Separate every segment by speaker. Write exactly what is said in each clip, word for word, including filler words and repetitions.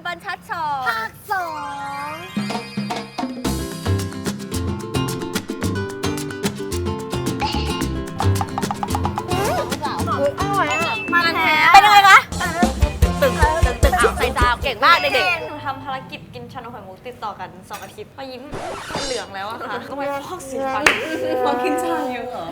Speaker 1: บรรทัดสองภาคสองอร่อยอ่ะมันแท้เป็นยังไงคะตึงตึงตึงเอาใส่จานเก่งมากเด็กๆ
Speaker 2: หนูทำภารกิจกินชานมไข่มุกติดต่อกันสองอาทิตย์พอยิ้มมันเหลืองแล้วอะค่ะก็ไปฟอกสีฟันพอกินชาเยอะเหรอ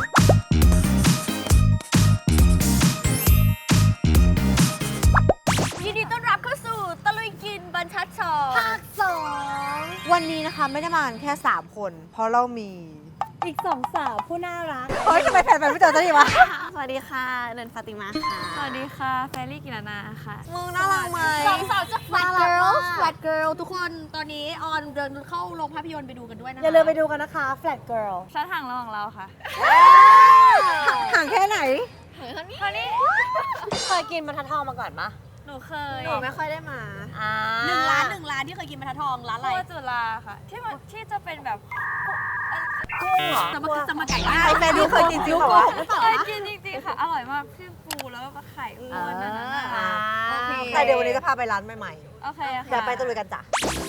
Speaker 1: ยินดีต้อนรับเข้าสู่ตะลุยกินบรรทัดสองภาคสองวันนี้นะคะไม่ได้มากันแค่สามคนเพราะเรามีอีกสองสาวผู้น่ารักเฮ้ยทำไมแฟนๆไม่เจอตัวนี้วะ
Speaker 2: สวัสดีค่ะเนินฟาติมาค่ะสวัสดีค่ะแฟรี่กิรนาค่ะ
Speaker 1: มึงน่ารักไหมสองสาวจะ flat girl flat girl ทุกคนตอนนี้ออนเดินเข้าโรงภาพยนตร์ไปดูกันด้วยนะคะอย่าลืมไปดูกันนะคะ flat girl
Speaker 2: ชั้นห่างระหว่างเราค่ะ
Speaker 1: ห่างแค่ไหน
Speaker 2: เท่านี้
Speaker 1: เคยกินบรรทัดทองมาก่อนปะ
Speaker 2: หนูเคย
Speaker 1: หนูไม่ค่อยได้มาหนึ่งร้านหนึ่งร้านที่เคยกินบรรทัดทองร้านอะไร
Speaker 2: จุฬาค่ะที่มันที่จะเป็นแบบ
Speaker 1: กุ้งเหรอจะมาจะมาไก่ได้
Speaker 2: ใคร
Speaker 1: แฟนนี่เคยกินจริงเหรอ
Speaker 2: เคยกินจริงๆค่ะอร่อยมากพี่ปูแล้วก็ไข่อ้วนนั่นน่ะ
Speaker 1: แต่เดี๋ยววันนี้จะพาไปร้านใหม่
Speaker 2: ๆโอเคค่ะ
Speaker 1: เดี๋ยวไปตะลุยกันจ้ะ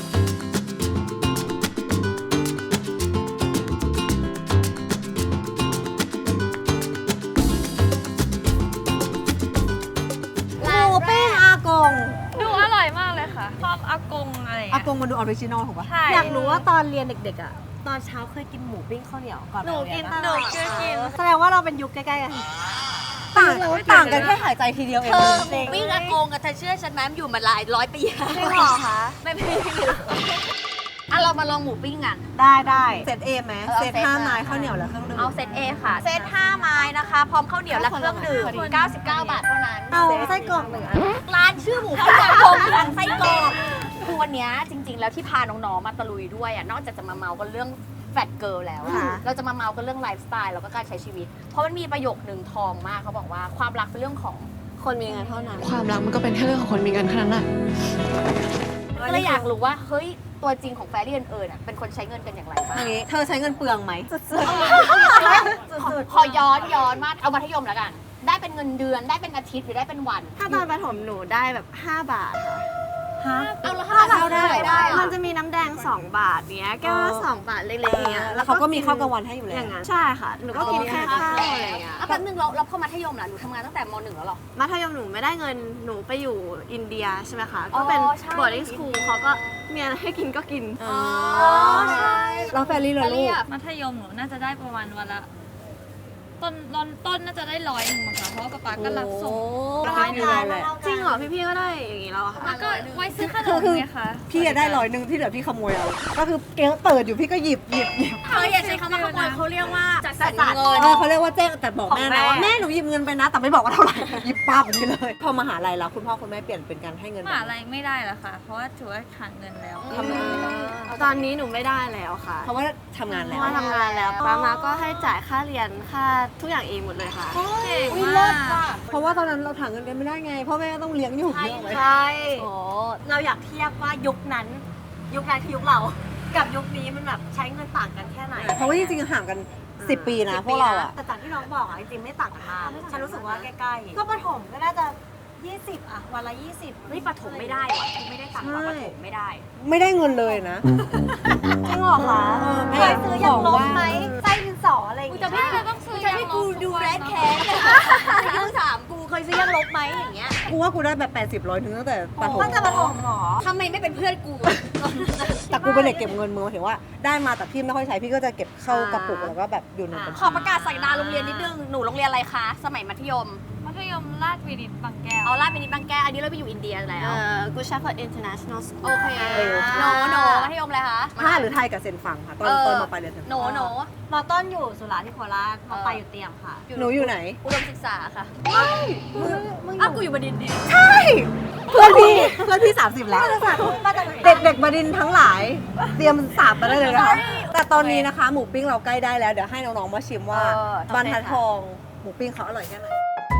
Speaker 1: หมูปิ้งอากง
Speaker 2: ดูอร่อยมากเลยค่ะชอบอากงอะไร
Speaker 1: อากงมันดูออริจินอลถูกปะอยากรู้ว่าตอนเรียนเด็กๆอ่ะตอนเช้าเคยกินหมูปิ้งข้าวเหนียวก่อน
Speaker 2: หนูกินหนูกินกิน
Speaker 1: แสดงว่าเราเป็นยุคใกล้ๆกันต่างต่างกันแค่หายใจทีเดียวเองเธอหมูปิ้งอากงกับเธอเชื่อฉันไหมมันอยู่มาหลายร้อยปี
Speaker 2: จริงเหรอคะ
Speaker 1: ไม่ไม่อ่ะเรามาลองหมูปิ้งกันได้ได้เซตเอไหมเซตห้าไม้ข้าวเหนียวและเครื่องดื่ม
Speaker 2: เอาเซตเอค่ะเซตห้าไม้นะคะพร้อมข้าวเหนียวและเครื่องดื่มเก้าสิบเก้าบาทเท่านั้น
Speaker 1: เอาไส้กรอกหนึ่ง
Speaker 2: ร้านชื่อหมูปิ้งอากงร้านไส้กรอกคือวันนี้จริงๆแล้วที่พาน้องๆมาตะลุยด้วยอ่ะนอกจากจะมาเมากันเรื่องแฟตเกิร์ลแล้วเราจะมาเมากันเรื่องไลฟ์สไตล์แล้วก็การใช้ชีวิตเพราะมันมีประโยคนึงทองมากเขาบอกว่าความรักเป็นเรื่องของ
Speaker 1: คนมีเงินเท่านั้น
Speaker 3: ความรักมันก็เป็นแค่เรื่องของคนมีเงินเท่านั้นแหละ
Speaker 2: ก็เลยอยากรู้ว่าเฮ้ยตัวจริงของแฟรี่เอิญอ่ะเป็นคนใช้เงินกันอย่างไรบ้าง
Speaker 1: เธอใช้เงินเปลืองไหมสุด
Speaker 2: ๆขอย้อนย้อนมาเอามัธยมแล้วกันได้เป็นเงินเดือนได้เป็นอาทิตย์หรือได้เป็นวัน
Speaker 4: ถ้าตอนประถมหนูได้แบบห้าบาท
Speaker 1: ค่ะ
Speaker 2: เอาแล้วห้าบาทได้ได้
Speaker 4: มันจะมีน้ำแดงสองบาทเนี้ยแก้วละสองบาทเล็กๆเนี้ย
Speaker 1: แล้วเขาก็มีข้าวกลางวันให้อยู่แล้ว
Speaker 4: อย่างนั้นใช่ค่ะหนูก็กินแค่ข้าวอะไรเงี้ย
Speaker 2: แป๊บนึงเราเราเข้ามัธยมล่ะหนูทำงานตั้งแต่มหนึ่งแล้วหรอ
Speaker 4: มัธยมหนูไม่ได้เงินหนูไปอยู่อินเดียใช่ไหมคะก็เป็น boarding school เขาก็มีอะไรให้กินก็กิน
Speaker 2: อ๋อใช่
Speaker 1: เราแฟรี่เลยลูก
Speaker 2: มัธยมหนูน่าจะได้ประมาณวันละต้นต้นต้นน่าจะได้ร้อยหนึ่งมั้งคะเพราะว่าป๊าป๊าก็รับส่ง
Speaker 1: ร้อยหนึ่งเลย
Speaker 4: จริงเหรอพี่ๆก็ได้อย่างนี้แล้วค่ะ
Speaker 2: ก็ไว้ซื้อขนมไงคะ
Speaker 1: พี่ได้ร้อยหนึ่งที่เหลือพี่ขโมยเอาก็คือเก๊เปิดอยู่พี่ก็หยิบหยิบหยิบ
Speaker 2: เขาอย่าใช้คำว่าขโมยเขาเรียกว่าจัดสรรเงิน
Speaker 1: เขาเรียกว่าแจ้งแต่บอกแม่นะว่าแม่หนูหยิบเงินไปนะแต่ไม่บอกว่าเท่าไหร่หยิบป้าแบบนี้เลยพอมหาลัยแล้วคุณพ่อคุณแม่เปลี่ยนเป็นการให้เงิน
Speaker 2: มหาลัยไม่ได้แล้วค่ะเพราะว่าถือว่าขาดเงินแล้ว
Speaker 4: ตอนนี้หนูไม่ได้แล้วค่ะ
Speaker 1: เพราะว่าทำงานแล้ว
Speaker 4: เพราะว่าทำงานแล้วป้ามาก็ให้จ่ายค่าเรียนค่าทุกอย่างเองหมดเลยค่ะ
Speaker 2: เก่งมาก
Speaker 1: เพราะว่าตอนนั้นเราถามเงินเดือนไม่ได้ไงพ่อแม่ต้องเลี้ยงอยู่
Speaker 4: ใช่ใช่เราอยากเทียบว่ายุคนั้นยุคนั้นคือยุคเรากับยุคนี้มันแบบใช้เงินต่างกันแค่ไหน
Speaker 1: เพราะว่าจริงๆห่างกันสิบปีนะพวกเราอะ
Speaker 4: แต่จากที่น้องบอกอะจริงๆไม่ต่างกันมากฉันรู้สึกว่าใกล้ๆก็ประถมก็น่าจะยี่สิบอะวันละยี่สิบ
Speaker 2: เฮ้ยประถมไม่ได้ว่ะไม่ได้ต่างกับประถมไม่ได้
Speaker 1: ไม่ได้เงินเลยนะ
Speaker 4: จริงเหรอคะเคยซื้อยางลบไหมไส้ดินสออะไรอย่างเงี้ย
Speaker 2: จะไม่เคยต้องซื้อยางลบ
Speaker 4: กูดูแรดแคส
Speaker 2: ยี่สิบสามกูเคยซื้อยางลบไหมอย่างเงี้ย
Speaker 1: กูว่ากูได้แบบแปดสิบร้อยถึงตั้งแต่ประถม
Speaker 4: ตั้งแต่ประถมหรอ
Speaker 2: ทำไมไม่เป็นเพื่อนกู
Speaker 1: แต่กูเป็นเด็กเก็บเงินมือถือว่าได้มาแต่พี่ไม่ค่อยใช้พี่ก็จะเก็บเข้ากระปุกแล้วก็แบบอยู่ในบัญชี
Speaker 2: ขอประกาศใส่ดาโรงเรียนนิดนึงหนูโรงเรียนอะไรคะสมัยมัธยมมัธยมราชวินิตบางแก้วเอาราชวินิตบางแก้วอันนี้เราไปอยู่อินเดียแล้ว
Speaker 4: เออกูชาฟอร์ดอินเตอร์เนชั่นแนลสคูล
Speaker 2: โอเคโนโนมัธยมอะไรคะ
Speaker 1: ห้าหรือไทยกับเซนฟังค่ะตอนตอนมาไปเรียนเซนฟัง
Speaker 2: โนโน
Speaker 4: มอต้นอยู่สุราษฎร์ที่โคราชมอปลายอยู่เตรียมค่ะ
Speaker 1: หนูอยู่ไหน
Speaker 2: อุดมศึกษาค่ะ
Speaker 1: ไม่
Speaker 2: มึงอ้าวกูอยู่บดินทร์ดิ
Speaker 1: ใช่เพื่อนพี่เพื่อนพี่สามสิบแล้วเด็กเด็กบดินทร์ทั้งหลายเตรียมสาบมาได้เลยนะคะแต่ตอนนี้นะคะหมูปิ้งเราใกล้ได้แล้วเดี๋ยวให้น้องๆมาชิมว่าบรรทัดทองหมูปิ้งเขาอร่อยแค่ไหน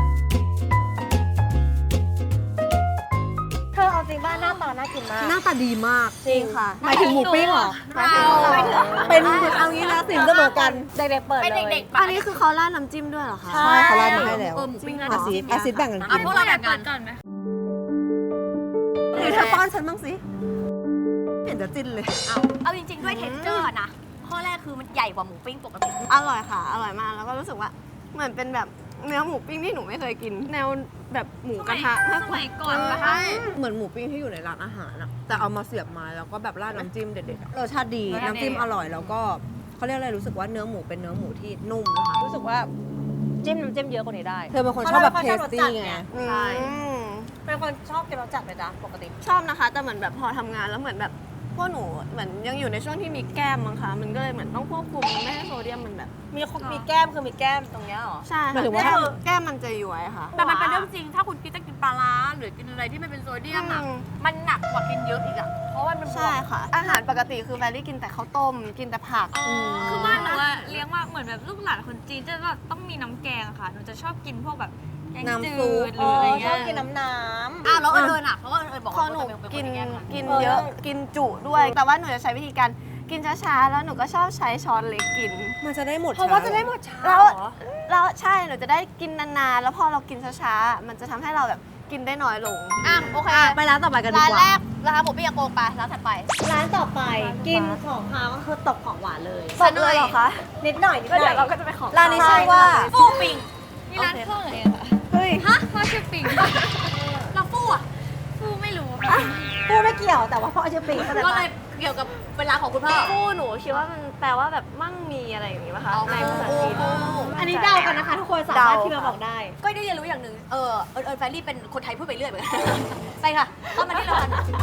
Speaker 4: เธอเอาจริงบ้านหน้าตาน่ากินมาก
Speaker 1: หน้าตาดีมาก
Speaker 4: จริงค่ะ
Speaker 1: หมายถึงหมูปิ้งเหรอเป็นเอางี้นะสิ่งเสมอกัน
Speaker 4: เด็กๆเปิดเลย
Speaker 2: เด็กๆ
Speaker 4: อันนี้คือเขาราดน้ำจิ้มด้วยเหรอคะ
Speaker 1: ใช่เขาราดมาให้แล้ว
Speaker 2: หมูปิ้ง
Speaker 1: อาซิดอาซิดแบ่งกันกิน
Speaker 2: พวกเราแบ่งกันก่อนไหม
Speaker 1: คือเธอป้อนฉันบ้างสิเห็นจะจิ้นเลย
Speaker 2: เอาเอาจริงๆด้วยเท็กเจอร์นะข้อแรกคือมันใหญ่กว่าหมูปิ้งปกติ
Speaker 5: อร่อยค่ะ อร่อยมาก แล้วก็รู้สึกว่าเหมือนเป็นแบบเนื้อหมูปิ้งที่หนูไม่เคยกิน แนวแบบหมูกระทะมากกว่า
Speaker 2: ก่อนนะคะ
Speaker 1: เหมือนหมูปิ้งที่อยู่ในร้านอาหารอะแต่เอามาเสียบไม้แล้วก็แบบราดน้ำจิ้มเด็ดๆอะรสชาติดีน้ำจิ้มอร่อยแล้วก็เขาเรียกอะไรรู้สึกว่าเนื้อหมูเป็นเนื้อหมูที่นุ่มนะคะรู้สึกว่า
Speaker 2: จิ้มน้ำจิ้มเยอะกว่านี้ได้
Speaker 1: เธอเป็นคนชอบแบบเทสตี้ไง
Speaker 2: ใช่
Speaker 5: อืม
Speaker 4: เป็นคนชอบกินรสจัดไหมจ๊ะปกติ
Speaker 5: ชอบนะคะ แต่เหมือนแบบพอทำงานแล้วเหมือนแบบพวกหนูเหมือนยังอยู่ในช่วงที่มีแก้มมั้งคะมันก็เลยเหมือนต้องควบคุมไม่ให้โซเดียมมันแบบ
Speaker 4: มีมีแก้มคือมีแก้มตรงเนี้ยเหรอ
Speaker 5: ใช่
Speaker 1: หมาย
Speaker 5: ค่ะ
Speaker 1: ถึงว่า
Speaker 5: แก้มแก้มมันจะย้วยค่ะ
Speaker 2: แต่มันเป็นเรื่องจริง ถ้าคุณคิดจะกินปลาร้าหรือกินอะไรที่มันเป็นโซเดียมอ่ะ
Speaker 5: อืม
Speaker 2: มันหนักกว่ากินเยอะอีกอ่ะ เพราะว่ามันบว
Speaker 5: ใช่
Speaker 2: ก
Speaker 5: ค่ะ อาหารปกติคือแฟรรี่กินแต่ข้าวต้ม กินแต่ผัก
Speaker 6: คือบ้านหนูอะเลี้ยงว่าเหมือนแบบลูกหลานคนจีนจะแบบต้องมีน้ำแกงอะค่ะหนูจะชอบกินพวกแบบแกง
Speaker 1: น้ำ
Speaker 6: จื
Speaker 1: ซุป
Speaker 6: ดหรืออะไร
Speaker 4: ช
Speaker 6: เงี้
Speaker 4: อบ
Speaker 6: ย
Speaker 4: กินน้ำน้
Speaker 2: อ้าวแล้วเอิญอ่ะ เพราะว่าเอิญบอก
Speaker 5: พอ
Speaker 2: ว่า
Speaker 5: หนู
Speaker 2: เป็นคน
Speaker 5: กิน
Speaker 2: แกงอะ
Speaker 5: กินเยอะกินจุด้วย แต่ว่าหนูจะใช้วิธีการกินช้าๆ แล้วหนูก็ชอบใช้ช้อนเล็กกิน
Speaker 1: มันจะได้หมด
Speaker 4: ำเพราะว่าจะได้หมดช้า
Speaker 5: แล้ว
Speaker 4: เหรอ
Speaker 5: แล้วใช่หนูจะได้กินนานๆ แล้วพอเรากินช้าๆ มันจะทำให้เราแบบกินได้น้อยลง
Speaker 2: อ่ะโอเค
Speaker 1: ไปร้านต่อไปกันดี
Speaker 2: ร้าน
Speaker 1: กว่า
Speaker 2: แรกร้านหมูปิ้งยาโกงไปร้านถัดไป
Speaker 4: ร้านต่อไปกินของคาวก็คือตกของหวานเลย
Speaker 2: สดเลยเหรอคะ
Speaker 4: นิดหน่อยนิดหน่อย
Speaker 5: เราก็จะไปของ
Speaker 1: ร้านนี้ชื่อว่า
Speaker 2: ฟู่ปิง
Speaker 6: มีร้านเครื่องอะไรอะค่ะ
Speaker 5: เฮ้ย
Speaker 2: ฮะ
Speaker 6: พ่อชื่อปิง
Speaker 2: เราฟู่อ่ะ
Speaker 6: ฟูไม่รู้ค่ะ
Speaker 4: พูดไม่เกี่ยวแต่ว่าพ่อชื่อปิงเข้าใจ
Speaker 2: ก็
Speaker 4: ปะ
Speaker 2: เลยเกี่ยวกับเวลาของคุณพ่อ
Speaker 5: ฟูหนูคิดว่ามันแปลว่าแบบมั่งมีอะไรอย่างนี้ป่ะคะ
Speaker 2: เอา
Speaker 5: ในภาษาจีน
Speaker 2: ฟู่
Speaker 4: อันนี้เดากันนะคะ ทุกคนสามารถ
Speaker 5: เดา
Speaker 4: ที่มาบอกได้
Speaker 2: ก็ได้เรียนรู้อย่างหนึ่งเออเอิญเอิญแฟรรี่เป็นคนไทยพูดไปเรื่อยเหมือนกัน ไปค่ะเข้ามาที่ร้าน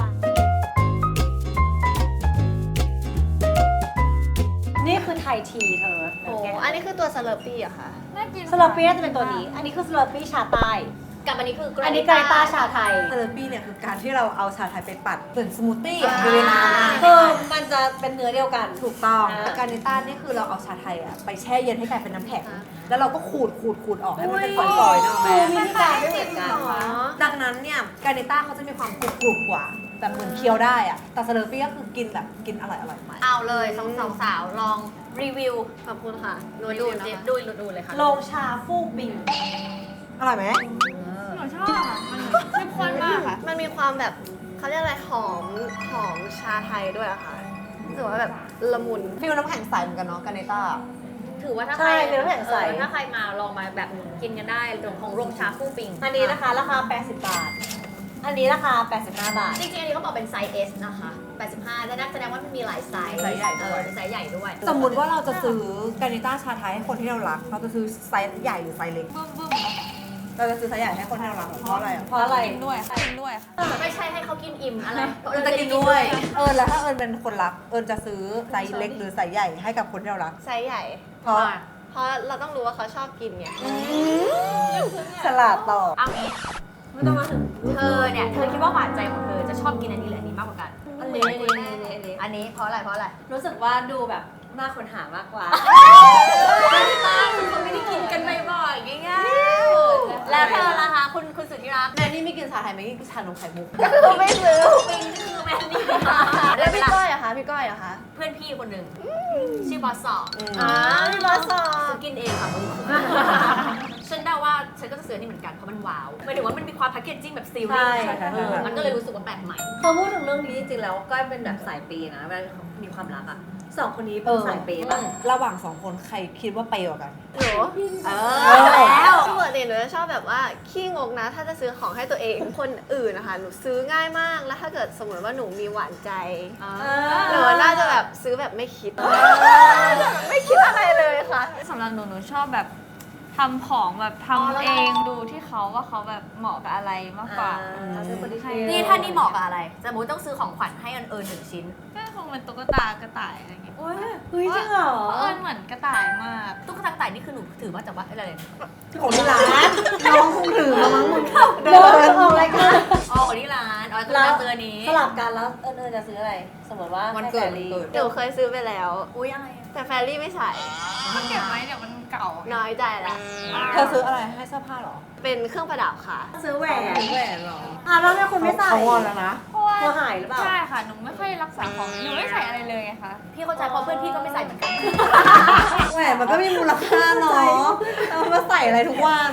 Speaker 4: นี่คือไทยทีเธอ
Speaker 5: โอ้อันนี้คือตัวสเลอร์ปี้อะค่ะ
Speaker 6: น่ากิน
Speaker 4: สลับปี้น่าจะเป็นตัวนี้ อันนี้คือสลับปี้ชาใต้
Speaker 2: กับอันนี้คือ
Speaker 4: อันนี้ไกรตาชาไทย
Speaker 1: เซเลปี้เนี่ยคือการที่เราเอาชาไทยไปปัดเหมือนสมูทตี้อะอยู่ในน้ำ
Speaker 4: คือมันจะเป็นเนื้อเดียวกัน
Speaker 1: ถูกต้อง
Speaker 4: อ่า
Speaker 1: แต่การนิต้านี่คือเราเอาชาไทยอะไปแช่เย็นให้กลายเป็นน้ำแข็ง แล้วเราก็ขูดขูดขูดออกให้มันเป็นฝอยๆเนอะแม่
Speaker 4: วิธีการไม่เหมือนกัน
Speaker 1: ดังนั้นเนี่ยการนิต้าเขาจะมีความกรุบกรุบกว่าแบบเหมือนเคี้ยวได้อะแต่เซเลปี้ก็คือกินแบบกินอร่อยอร่อยๆไป
Speaker 2: เอาเลยสองสองสาวลองรีวิว
Speaker 5: ขอบคุณค่ะหนู
Speaker 2: ดู
Speaker 5: ดู
Speaker 2: ดู
Speaker 5: นะคะ
Speaker 2: ดูดูเลยค่ะ
Speaker 4: โลงชาฟูกบิง
Speaker 1: อร่อยไหม
Speaker 6: หนูชอบอะมันเข้มข้นมากค่ะ
Speaker 5: มันมีความแบบเขาเรียกอะไรหอมหอมชาไทยด้วยอะค่ะรู้สึกว่าแบบละมุน
Speaker 1: ฟิลน้ำแข็งใสเหมือนกันเนาะการนิต้า
Speaker 2: ถือว่าถ้าใค
Speaker 4: ใช่
Speaker 2: ร
Speaker 4: เป็นน้ำแข็งใส
Speaker 2: เออถ้าใครมาลองมาแบบกินกันได้ตรงของโรงชาฟู่ปิง
Speaker 4: อันนี้นะคะราคา แปดสิบบาท อันนี้ราคา แปดสิบห้าบาท
Speaker 2: จริงๆอันนี้เขาบอกเป็นไซส์ S นะคะแปดสิบห้าแต่นั่นแสดงว่ามันมีหลายไซส์
Speaker 1: ไซส์ใหญ่ด้วย
Speaker 2: เออเป็นไซส์ใหญ่ด้วย
Speaker 1: สมมุติว่าเราจะซื้อการนิต้าชาไทยให้คนที่เรารัก เราจะซื้อไซส์ใหญ่หรือไซส์เล็ก
Speaker 6: บึ้มบึ้ม
Speaker 1: เราจะซื้อไซส์ใหญ่ให้คนที่เรารักเพราะอะไรอะ
Speaker 4: เพราะอะไร
Speaker 6: กินด้วยค่ะกินด้วยค่ะ
Speaker 2: ไม่ใช่ให้เขากินอิ่มอะไร
Speaker 1: เอิญจะกินด้วย เอิญแล้วถ้าเอิญเป็นคนรัก เอิญจะซื้อไซส์เล็กหรือไซส์ใหญ่ให้กับคนที่เรารัก
Speaker 5: ไซส์ใหญ่
Speaker 1: เพราะ
Speaker 5: เพราะเราต้องรู้ว่าเขาชอบกินไง
Speaker 1: ฉลาดต่อ
Speaker 2: เอางี้
Speaker 4: ไม่ต้องมาถึง
Speaker 2: เธอเนี่ยเธอคิดว่าหวานใจของเธอจะชอบกินอันนี้หรืออันนี้มากกว่ากัน
Speaker 4: อันนี้อันนี้อันนี้อันนี้
Speaker 2: อันนี้เพราะอะไรเพราะอะไร
Speaker 4: รู้สึกว่าดูแบบน่าค้นหามากกว่า
Speaker 2: ป้าคือคนไม่ได้กินกันบ่อยๆง่ายๆแล้วเธอล่ะคะคุณคุณสุดที่รัก
Speaker 1: แม่นี่ไม่กินชาไทยไม่กินชานมไข่มุก
Speaker 5: คือไม่ซื้อ
Speaker 2: ปิงคือแมนนี่
Speaker 5: แล้วพี่ก้อยอะคะพี่ก้อยอะคะ
Speaker 2: เพื่อนพี่คนหนึ่งชื่อบอสสอบ
Speaker 5: อ่าพี่บอสสอ
Speaker 2: ฉันกินเองค่ะมึงฉันเดาว่าฉันก็จะซื้อนี่เหมือนกันเพราะมันว้าวหมายถึงว่ามันมีความแพคเกจจิ้งแบบซีรีส์
Speaker 1: ใช่ใช่ใช่
Speaker 2: เออมันก็เลยรู้สึกว่าแปลกใหม่
Speaker 4: พอพูดถึงเรื่องนี้จริงๆแล้วก้อยเป็นแบบสายเปย์นะเวลามีความรักอ่ะสองคนนี้เป็นสายเปย์ป่ะ
Speaker 1: ระหว่างสองคนใครคิดว่าเปย์กว่ากัน
Speaker 5: หนู
Speaker 2: เอ
Speaker 1: อแล้ว
Speaker 5: ปกติหนูจะชอบแบบว่าขี้งกนะ ถ้าจะซื้อของให้ตัวเองคนอื่นนะคะหนูซื้อง่ายมากแล้วถ้าเกิดสมมติว่าหนูมีหวานใจหนูน่าจะแบบซื้อแบบไม่คิดไม่คิดอะไรเลยค่ะ
Speaker 6: สำหรับหนูหนูชอบแบบทำของแบบทำเองดูที่เขาว่าเขาแบบเหมาะกับอะไรมากกว่า
Speaker 4: อ่าซื้อคนที่ใช่
Speaker 2: นี่ถ้านี่เหมาะกับอะไรสมมติต้องซื้อของขวัญให้อันเอิญหนึ่งชิ้น
Speaker 6: ก็คงเป็นตุ๊กตากระต่ายอะไรอย่างเงี้ย
Speaker 4: เฮ้ยจริงเหรอ
Speaker 6: เพราะเอิญเหมือนกระต่ายมาก
Speaker 2: ตุ๊กตาต่ายนี่คือหนูถือมาจากว่าอะไร
Speaker 1: ของที่ร้านน้องคงถือมามั้งมึง
Speaker 4: เดินออกรายการ
Speaker 2: อ๋อของที่ร้านอ๋อตุ๊กตาตัวนี้
Speaker 4: สลับกันแล้วเอิญเอิญจะซื้ออะไร สมมติว่า
Speaker 1: วันเกิด
Speaker 4: ให้
Speaker 1: วัน
Speaker 4: แฟ
Speaker 1: เกิด
Speaker 5: หนูเคยซื้อไปแล้ว
Speaker 2: อุ้ยอะไร
Speaker 5: แต่แฟรี่ไม่ใส่
Speaker 6: มันเก็บไว้เดี๋ยวมันเก่า
Speaker 5: น้อยใจละ
Speaker 1: เธอซื้ออะไรให้เสื้อผ้าเหรอ
Speaker 5: เป็นเครื่องประดับค่ะ
Speaker 4: ซื้อแหวน
Speaker 1: แหวนเหรอ
Speaker 4: อ่ะแล้วเนี่ยคุณไม่ใส่
Speaker 1: เขางอนแล้วนะ
Speaker 6: เพราะว่า
Speaker 4: ตัวหายหรือเปล่า
Speaker 6: ใช่ค่ะหนูไม่ค่อยรักษาของหนูไม่ใส่อะไรเลยไงคะ
Speaker 2: พี่เข้าใจเพราะเพื่อนพี่ก็ไม่ใส่เหมือนกัน
Speaker 1: แหวนมันก็มีมูลค่าเนาะเอามาใส่อะไรทุกวัน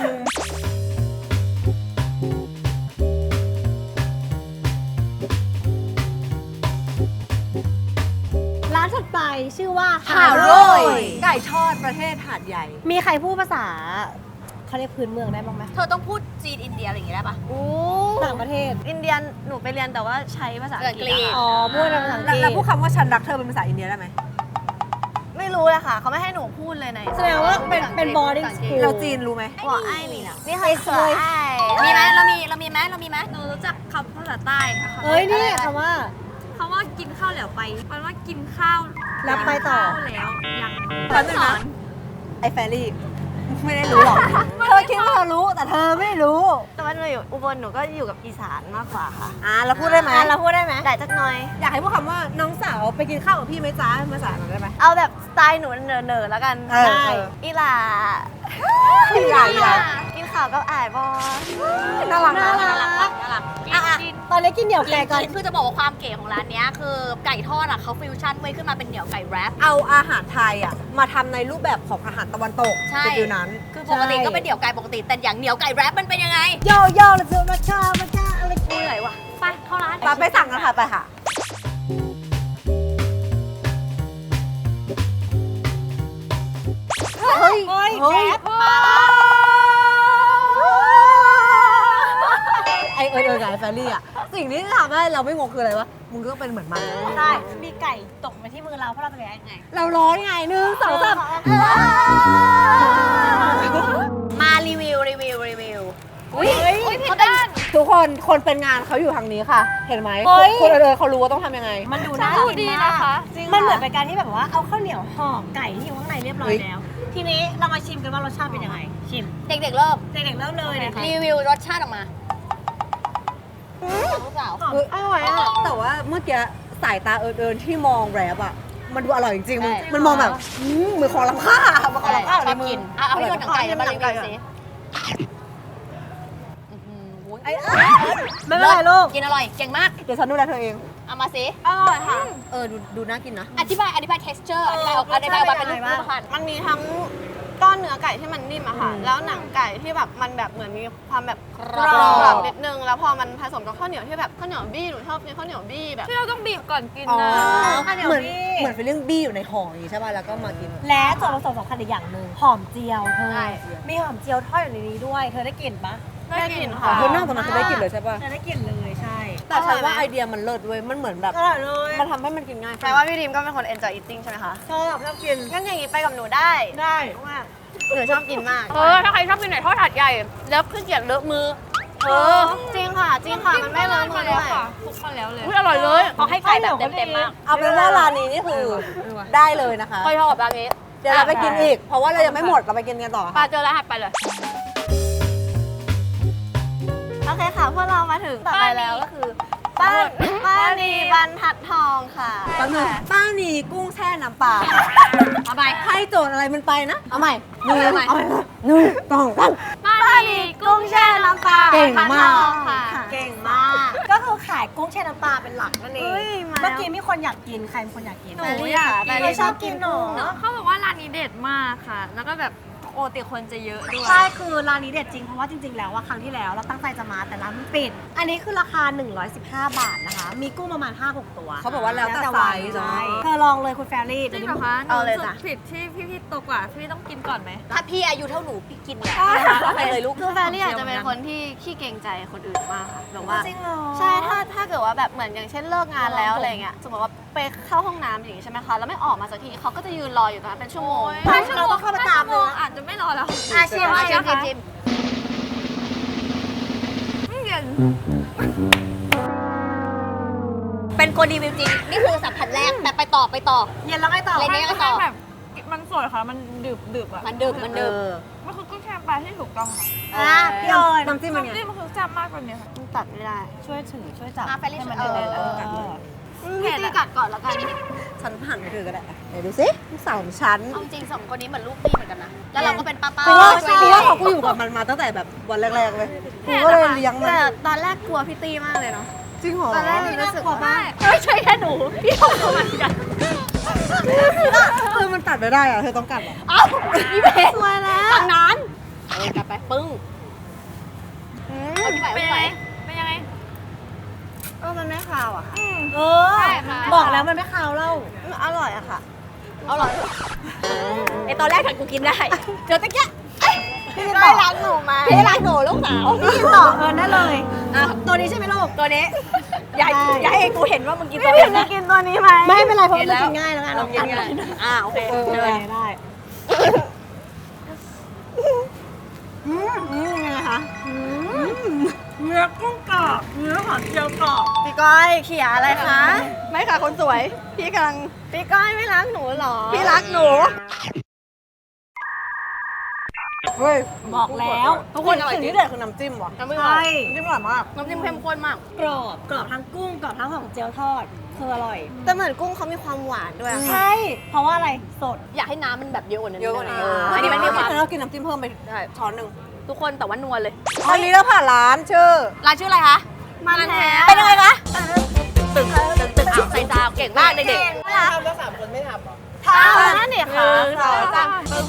Speaker 4: อะไรชื่อว่า
Speaker 1: หาโร่ยไก่ทอดประเทศหาดใหญ่
Speaker 4: มีใครพูดภาษาเขาเรียกพื้นเมืองได้บ้างไหม
Speaker 2: เธอต้องพูดจีนอินเดียอะไรอย่างงี้ได้ปะ
Speaker 5: โอ้
Speaker 4: ต่างประเทศ
Speaker 5: อินเดียนหนูไปเรียนแต่ว่าใช้ภาษาอังกฤษ
Speaker 2: อังกฤษ
Speaker 5: อะ
Speaker 4: อ๋อ
Speaker 5: ค่ะ
Speaker 4: พูดภาษาอังก
Speaker 1: แล้ว
Speaker 4: ฤษ
Speaker 1: แล้วพูดคำว่าฉันรักเธอเป็นภาษาอินเดียได้ไหม
Speaker 5: ไม่รู้เลยค่ะ เขาไม่ให้หนูพูดเลยใน
Speaker 4: แสดงว่าเป็นเป็น boarding school
Speaker 1: เราจีนรู้ไหม
Speaker 5: หัวไอ้มีนะนี่ค่ะหัวไอ้
Speaker 2: มีไหมเรามีเรามีไหมเรามีไหมหนูรู้จักคำภาษาใต้ค่ะ
Speaker 4: เอ้ยนี่คำว่า
Speaker 6: คำว่ากินข้าวแล้วไปแปลว่ากินข้าว
Speaker 4: แล้วไปต่อ
Speaker 6: ข้าวแล้วยัง
Speaker 1: แป๊บนึงนะไอ้แฟรี่ไม่ได้รู้หรอก เธอคิดว่าเธอรู้แต่เธอไม่รู้
Speaker 5: แต่ว่าหนูอยู่อุบลหนูก็อยู่กับอีสานมากกว่าค่ะ
Speaker 1: อ่าเราพูดได้ไหม
Speaker 4: เราพูดได้ไหม
Speaker 5: ได้จักหน่อย
Speaker 1: อยากให้พูดคำว่าน้องสาวไปกินข้าวกับพี่ไหมจ๊ะภาษาหน่อยได้ไหม
Speaker 5: เอาแบบสไตล์หนูเนอๆแล้วกัน
Speaker 1: เออ
Speaker 5: ได้
Speaker 1: เออ
Speaker 5: อีหลา
Speaker 1: อีหลาอีหลา
Speaker 5: กินข้าวกับอ้ายบอ
Speaker 1: น่ารัก
Speaker 4: น่า
Speaker 1: นะ
Speaker 4: รัก
Speaker 2: น่ารักน่ารักอ่ะอ่ะ
Speaker 4: ตอนนี้กินเหนียว
Speaker 2: กิ
Speaker 4: ไก่
Speaker 2: น
Speaker 4: ก่อน
Speaker 2: กินคือจะบอกว่าความเก๋ของร้านเนี้ยคือไก่ทอดอ่ะเขาฟิวชั่นไว้ขึ้นมาเป็นเหนียวไก่แรป
Speaker 1: เอาอาหารไทยอ่ะมาทำในรูปแบบของอาหารตะวันตก
Speaker 2: ใช่
Speaker 1: เป็นฟิวนั้น
Speaker 2: คือปกติก็เป็นเหนียวไก่ปกติแต่อย่างเหนียวไก่แรปมันเป็นยังไง
Speaker 4: โยโย่เราจะมาชามาชาอะไร
Speaker 2: เหนื่อยว่ะไปเข้าร้าน
Speaker 1: ไปไปสั่งกันค่ะไปค่ะเฮ้ย
Speaker 4: เฮ้ย
Speaker 1: เฮ้ย
Speaker 4: แซ่บ
Speaker 1: ไอเออเออไงแฟรี่อ่ะสิ่งที่ทำให้เราไม่งงคืออะไรวะมึงก็เป็นเหมือนมัน
Speaker 4: ใช่มีไก่ตกมาที่มือเราเพราะเราเป็นยังไง
Speaker 1: เราร้อนไงหนึ่งสองสาม
Speaker 2: มารีวิวรีวิวรีวิว
Speaker 1: อุ้ย
Speaker 2: เขาเป็น
Speaker 1: ทุกคนคนเป็นงานเขาอยู่ทางนี้ค่ะ เห็นไหม
Speaker 4: เฮ้ย
Speaker 1: คนเออเขารู้ว่าต้องทำยังไง
Speaker 4: มันดูน่ากินมากมันเหมือนเป็นการที่แบบว่าเอาข้าวเหนียวห่อไก่ที่อยู่ข้างในเรียบร้อยแล้ว ทีนี้เรามาชิมกันว่ารสชาติเป็นยังไง ชิม
Speaker 2: เด็กๆเริ่ม
Speaker 4: เด็กๆเริ่มเลยนะคะ
Speaker 2: รีวิวรสชาติออกมาลูกสาว
Speaker 1: เฮ้ยอร่อยอ่ะแต่ว่าเมื่อกี้สายตาเอิญๆที่มองแรปอ่ะมันดูอร่อยจริงๆมันมันมองแบบอืมเหมือนของล้ำค่ามันของล้ำค่า
Speaker 2: ช
Speaker 1: ใน
Speaker 2: อบ
Speaker 1: มือ
Speaker 2: กินอ่ะเอาพี่โดนหนังไก่แล้วมารีวิวสิ
Speaker 1: ไอ้
Speaker 4: ไม่เป็นไรลูก
Speaker 2: กินอร่อย เก่งมาก
Speaker 1: เดี๋ยวฉันดูแลเธอเอง
Speaker 2: เอามาสิ
Speaker 4: อร่อยค่ะ
Speaker 1: เออดูดูน่ากินนะ
Speaker 2: อธิบายอธิบาย texture อธิบายออกอธิบายออกมาเป็นรูปรูปพันธ์
Speaker 5: มันมีทั้งก้อนเนื้อไก่ที่มันนิ่มอะค่ะ แล้วหนังไก่ที่แบบมันแบบเหมือนมีความแบบกร
Speaker 2: กรอบ
Speaker 5: อบนิดนึง แล้วพอมันผสมกับข้าวเหนียวที่แบบข้าวเหนียวบี้หนูชอบกินข้าวเหนียวบี้แบบ
Speaker 6: ที่เราต้องบีบก่อนกิน
Speaker 1: อ๋อ
Speaker 6: นะ
Speaker 1: เหมือนเหมือนฟีลลิ่งบี้อยู่ในห่ออย่างนี้ใช่ป่ะแล้วก็มากิน
Speaker 4: และส่วนผสมสำคัญอีกอย่างหนึ่งหอมเจียวเธอ
Speaker 5: ใช่
Speaker 4: มีหอมเจียวทอดอยู่ในนี้ด้วย เธอได้กลิ่นปะ
Speaker 5: ได้กลิ่น
Speaker 1: อ๋
Speaker 5: ค่ะ
Speaker 1: อเธอนอกจากนั้นคือได้กลิ่นเลยใช่ป่ะ
Speaker 4: เธอได้กลิ่นเลยใช่
Speaker 1: แต่ฉันว่าไอเดียมันเลิศเว้ยมันเหมือนแบบ
Speaker 4: อร่อยเลย
Speaker 1: มันทำให้มันกินง่าย
Speaker 5: แปลว่าพี่ดิมก็เป็นคน enjoy eating ใช่ไหมคะ
Speaker 4: ชอบชอบกิน
Speaker 5: งั้นอย่างนี้ไปกับหนูได้
Speaker 4: ได้
Speaker 5: ว่าหนูชอบกินมาก
Speaker 2: เออ ถ้าใครชอบกินไหนทอดถาดใหญ่ แล้วขึ้นเกียรเลอะมือ
Speaker 5: เออจริงค่ะ จริงค่ะ มันไม่เลอะมือ
Speaker 6: แล้
Speaker 5: ด้
Speaker 6: ว
Speaker 5: วย
Speaker 6: ค่ะคลุกมาแล้วเลย
Speaker 2: อุ๊ยอร่อยเลยเขาให้ไก่แบบเต็มๆมาก
Speaker 1: เอาเป็นว่าร้านนี้นี่คือได้เลยนะคะ
Speaker 2: ค่อยชอบร้านนี้
Speaker 1: เดี๋ยวเราไปกินอีก เพราะว่าเรายังไม่หมดเราไปกินกันต่อ
Speaker 2: ปลา
Speaker 1: ค่ะ
Speaker 2: เจอแล้วหัดไปเลย
Speaker 5: โอเคค่ะ พวกเรามาถึงต่อไปแล้วก็คือป้าป้านีบรรทัดทองค่ะ
Speaker 1: แป๊บนึงป้านีกุ้งแช่น้ำปลา
Speaker 2: เอาไป
Speaker 1: ให้โจทย์อะไรมันไปนะ เอาใหม่หนึ่ง
Speaker 2: เอาใหม่
Speaker 1: เอาใหม่หนึ่งสองสาม
Speaker 5: ป้านีกุ้งแช่น้ำปลา
Speaker 1: เก่งมาก
Speaker 5: บรรทัดทองค่ะ
Speaker 4: เก่งมาก ก็คือขายกุ้งแช่น้ำปลาเป็นหลักนั่นเอง
Speaker 5: เฮ้ยมาแล้ว
Speaker 4: เมื่อกี้มีคนอยากกิน ใครเป็นคนอยากกิน
Speaker 5: หนูอยากกิน
Speaker 4: แต่ไม่ชอบกินหนู
Speaker 6: เขาบอกว่าร้านนี้เด็ดมากค่ะ แล้วก็แบบโอติคนจะเยอะด้วย
Speaker 4: ใช่ คือร้านนี้เด็ดจริง เพราะว่าจริง ๆ แล้วว่าครั้งที่แล้วเราตั้งใจจะมาแต่ร้านมันปิด อันนี้คือราคา หนึ่งร้อยสิบห้า บาทนะคะ มีกุ้งประมาณ ห้าหก ตัว
Speaker 1: เขาบอกว่าแล้วแต่ไซส์
Speaker 4: ใช่
Speaker 1: เนาะ
Speaker 4: เธอลองเลยคุณแฟรรี่
Speaker 6: จริงเหรอคะหนู
Speaker 5: เอาเลย
Speaker 6: รู้สึ
Speaker 5: จ้ะ
Speaker 6: กผิดที่พี่พี่โตกว่า พี่ต้องกินก่อนไหม
Speaker 2: ถ้าพี่อายุเท่าหนูพี่กินเลย
Speaker 6: เอาไป
Speaker 2: เลยลูก
Speaker 5: คือแฟนนี่อาจจะเป็นคนที่ขี้เกรงใจคนอื่นมากค่ะแบบว่า
Speaker 4: จริงเหรอ
Speaker 5: ใช่ ถ้าถ้าเกิดว่าแบบเหมือนอย่างเช่นเลิกงานแล้วอะไรเงี้ย สมมติว่าไปเข้าห้องน้ำอย่างงี้ใช่ไหมคะ แล้วไม่ออกมาสักทีเขาก็จะยืนรออยู่ตรงนั้นเป็นชั่วโมง
Speaker 4: ถ้าชั่วโมงเข้าไปตามเลย
Speaker 6: อาจจะไม่รอแล้ว
Speaker 4: อาชิม
Speaker 2: มา
Speaker 4: ให้
Speaker 2: ชิม
Speaker 4: นะคะ
Speaker 2: ชิม
Speaker 6: ไม่เย็น
Speaker 2: เป็นคนรีวิวจริง นี่คือสัมผัสแรก แต่ไปต่อไปต่อ
Speaker 4: เย็นแล้วไงต่อ
Speaker 2: เลยเนี่ย ก็ต่อ
Speaker 6: แบบมันสวยค่ะ มันดึบดึบๆอ่ะ
Speaker 2: มันดึกมันดึก
Speaker 1: เออ
Speaker 6: มันคือกุ้งแช่น้ำปลาที่ถูกต้องค่ะ
Speaker 4: อ่ะพี่เอิญ
Speaker 1: น้ำจิ้มมันไง
Speaker 6: น้ำจิ้มมันคือแซ่บมากกว่านี้ค่ะ
Speaker 5: มันตัดไม่ได้
Speaker 4: ช่วยถือช่วยจับ
Speaker 2: อ่ะแฟรรี่
Speaker 4: ให้มัน
Speaker 2: ช่วย
Speaker 4: เดิน
Speaker 2: เออ
Speaker 4: เออ
Speaker 5: พี่ตีกัดก่อนแล้วกัน
Speaker 1: ฉันผ่านไปเธอก็ได้อะไหนดูสิลูกสาวของฉัน
Speaker 2: เอาจริงสองคนนี้เหมือนลูกพี่เหมือนกันนะ แล้วเราก็เป็นป้าป้า
Speaker 1: กูว่า
Speaker 2: ช่วย
Speaker 1: กู
Speaker 2: เลี้ย
Speaker 1: ว่าง เขากูอยู่กับมันมาตั้งแต่แบบวันแรกๆเลยกูก็เลยเลี้ยงมัน
Speaker 5: แต่ตอนแรกกลัวพี่ตีมากเลยเนาะ
Speaker 1: จริงเหรอ
Speaker 5: ตอนแรกนี่รู้สึกว่า
Speaker 2: ไม่ใช่แค่หนู พี่ทำเหมือนกัน
Speaker 1: เออมันตัดไม่ได้อะเธอต้องกัดเหรอ
Speaker 2: เอ้าพี่เบส
Speaker 5: สวยแล้ว
Speaker 2: ทางนั้นเออกลับไปปึ้งเอาพี่ไหว
Speaker 6: เป็น
Speaker 2: พี่
Speaker 6: ยัง
Speaker 2: ไหว
Speaker 6: ไง เป็นยังไง
Speaker 5: เออมันไม่คาวอะค่ะ
Speaker 4: เออ
Speaker 6: ใช่ค่ะ
Speaker 4: บอกแล้วมันไม่คาวเล่า
Speaker 5: มันอร่อยอะค่ะ
Speaker 2: เอาหรอไอตอนแรกถังกูกินได้เจอตะเกียบ
Speaker 5: พี่ก้อยรักหนูไหม
Speaker 2: พี่รักหนูลูกสาว
Speaker 1: พี่ต่อเงินได้เลย
Speaker 2: อ่ะตัวนี้ใช่ไหมลูกตัวนี้อย่าอย่าให้กูเห็นว่ามึงกินตัว
Speaker 5: พี่
Speaker 2: นี้
Speaker 5: จะกินตัวนี้ไหม
Speaker 1: ไม่เป็นไรเพราะมันกินง่ายแล้วไง
Speaker 2: เรากินกันอ่าโอเค
Speaker 1: เออ
Speaker 2: เจอ
Speaker 1: ได้ อืมอืมยังไงคะเนื้อกุ้งกรอบเนื้อหอมเจียวกรอบ
Speaker 5: พี่ก้อยเขียอะไรคะ
Speaker 2: ไม่ค่ะคนสวย พี่กำลัง
Speaker 5: พี่ก้อยไม่รักหนูเหรอ
Speaker 2: พี่รักหนู
Speaker 1: เฮ้ย
Speaker 4: บอกแล้ว
Speaker 1: ทุกคนสิ่งที่เด็ดคือน้ำจิ้มว่ะ
Speaker 2: น้ำจิ้ม
Speaker 1: ใช่น้ำจิ้มอร่อยมาก
Speaker 2: น้ำจิ้มเข้มข้นมาก
Speaker 4: กรอบกรอบทั้งกุ้งกรอบทั้งของเจียวทอดคืออร่อย
Speaker 5: แต่เหมือนกุ้งเขามีความหวานด้วยอะค่ะ
Speaker 4: ใช่ เพราะว่าอะไรสด
Speaker 2: อยากให้น้ำมันแบบเยอะกว่านี้
Speaker 1: เยอะกว่านี้
Speaker 2: เอออันนี้มันมีความ
Speaker 1: เรากินน้ำจิ้มเพิ่มไป
Speaker 2: ได้
Speaker 1: ช้อนหนึ่ง
Speaker 2: ทุกคนแต่ว่านัวเลย
Speaker 1: อันนี้เราผ่านร้านชื่อ
Speaker 2: ร้านชื่ออะไรคะมันแท้เป็นยังไงคะตึกตึกตึกอ่าวใส่ซาวเก่งมากเด็กๆ
Speaker 1: ทำแล้วสามคนไม่ทำหรอ
Speaker 2: ทำนั่นเนี่ยค่ะสองสาม